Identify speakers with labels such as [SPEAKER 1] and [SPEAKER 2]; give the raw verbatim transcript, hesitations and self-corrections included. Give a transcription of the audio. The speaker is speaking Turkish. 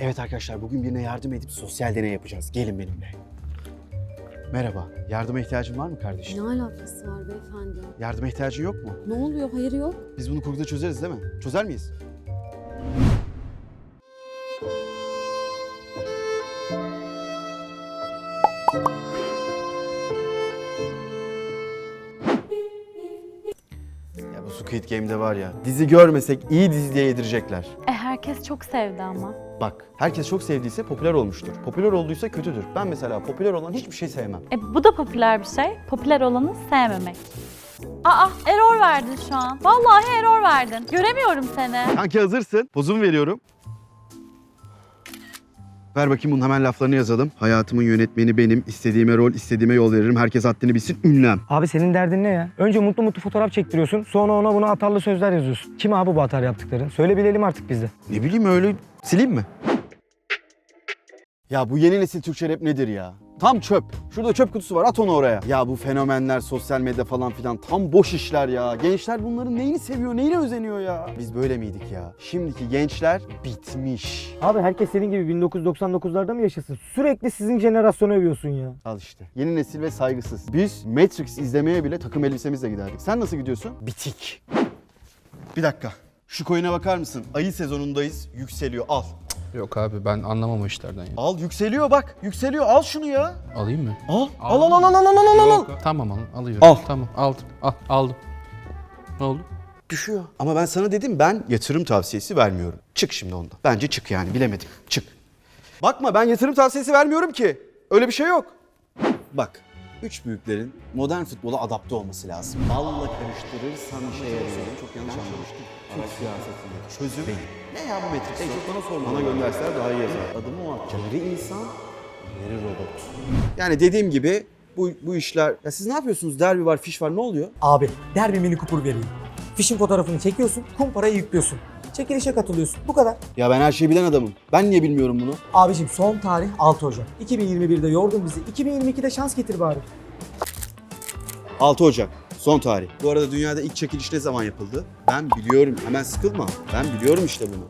[SPEAKER 1] Evet arkadaşlar, bugün birine yardım edip sosyal deney yapacağız. Gelin benimle. Merhaba, yardıma ihtiyacın var mı kardeşim?
[SPEAKER 2] Ne alakası var beyefendi?
[SPEAKER 1] Yardıma ihtiyacın yok mu?
[SPEAKER 2] Ne oluyor? Hayır yok.
[SPEAKER 1] Biz bunu kurguda çözeriz değil mi? Çözer miyiz? Ya bu Squid Game'de var ya, dizi görmesek iyi dizi diye yedirecekler.
[SPEAKER 3] E herkes çok sevdi ama.
[SPEAKER 1] Bak, herkes çok sevdiyse popüler olmuştur. Popüler olduysa kötüdür. Ben mesela popüler olan hiçbir şey sevmem.
[SPEAKER 3] E bu da popüler bir şey. Popüler olanı sevmemek. Aa, error verdin şu an. Vallahi error verdin. Göremiyorum seni.
[SPEAKER 1] Kanki hazırsın. Pozumu veriyorum. Ver bakayım, bunun hemen laflarını yazalım. Hayatımın yönetmeni benim. İstediğime rol, istediğime yol veririm. Herkes haddini bilsin. Ünlem.
[SPEAKER 4] Abi senin derdin ne ya? Önce mutlu mutlu fotoğraf çektiriyorsun. Sonra ona buna atarlı sözler yazıyorsun. Kim abi bu atar yaptıkların? Söyle bilelim artık biz de.
[SPEAKER 1] Ne bileyim, öyle sileyim mi? Ya bu yeni nesil Türkçe rap nedir ya? Tam çöp. Şurada çöp kutusu var, at onu oraya. Ya bu fenomenler, sosyal medya falan filan tam boş işler ya. Gençler bunların neyini seviyor, neyine özeniyor ya? Biz böyle miydik ya? Şimdiki gençler bitmiş.
[SPEAKER 4] Abi herkes senin gibi bin dokuz yüz doksan dokuzlarda mı yaşasın? Sürekli sizin jenerasyonu övüyorsun ya.
[SPEAKER 1] Al işte. Yeni nesil ve saygısız. Biz Matrix izlemeye bile takım elbisemizle giderdik. Sen nasıl gidiyorsun? Bitik. Bir dakika. Şu coin'e bakar mısın? Ayı sezonundayız. Yükseliyor. Al.
[SPEAKER 5] Yok abi ben anlamam o işlerden ya.
[SPEAKER 1] Al, yükseliyor bak. Yükseliyor. Al şunu ya.
[SPEAKER 5] Alayım mı?
[SPEAKER 1] Al. Al al al al al al al al.
[SPEAKER 5] Yok, tamam al, alıyorum.
[SPEAKER 1] Al.
[SPEAKER 5] Tamam aldım. Al, aldım. Ne oldu?
[SPEAKER 1] Düşüyor. Ama ben sana dedim, ben yatırım tavsiyesi vermiyorum. Çık şimdi ondan. Bence çık yani, bilemedim. Çık. Bakma, ben yatırım tavsiyesi vermiyorum ki. Öyle bir şey yok. Bak. Üç büyüklerin modern futbola adapte olması lazım. Balla karıştırırsan işe yarıyor. Çok yanlış anlamıştım. Türk siyasetinde çözüm değil. Ne ya bu Matrix? Ey, bana sorma. Bana gönderseler daha iyi yazar. Adımı o atacak. Yarı insan, yarı robot. Yani dediğim gibi bu, bu işler... Ya siz ne yapıyorsunuz? Derbi var, fiş var. Ne oluyor?
[SPEAKER 4] Abi der bir mini kupur vereyim. Fişin fotoğrafını çekiyorsun, kumparayı yüklüyorsun. Çekilişe katılıyorsun. Bu kadar.
[SPEAKER 1] Ya ben her şeyi bilen adamım. Ben niye bilmiyorum bunu?
[SPEAKER 4] Abicim son tarih altı Ocak. iki bin yirmi birde yordun bizi. iki bin yirmi ikide şans getir bari.
[SPEAKER 1] altı Ocak. Son tarih. Bu arada dünyada ilk çekiliş ne zaman yapıldı? Ben biliyorum. Hemen sıkılma. Ben biliyorum işte bunu.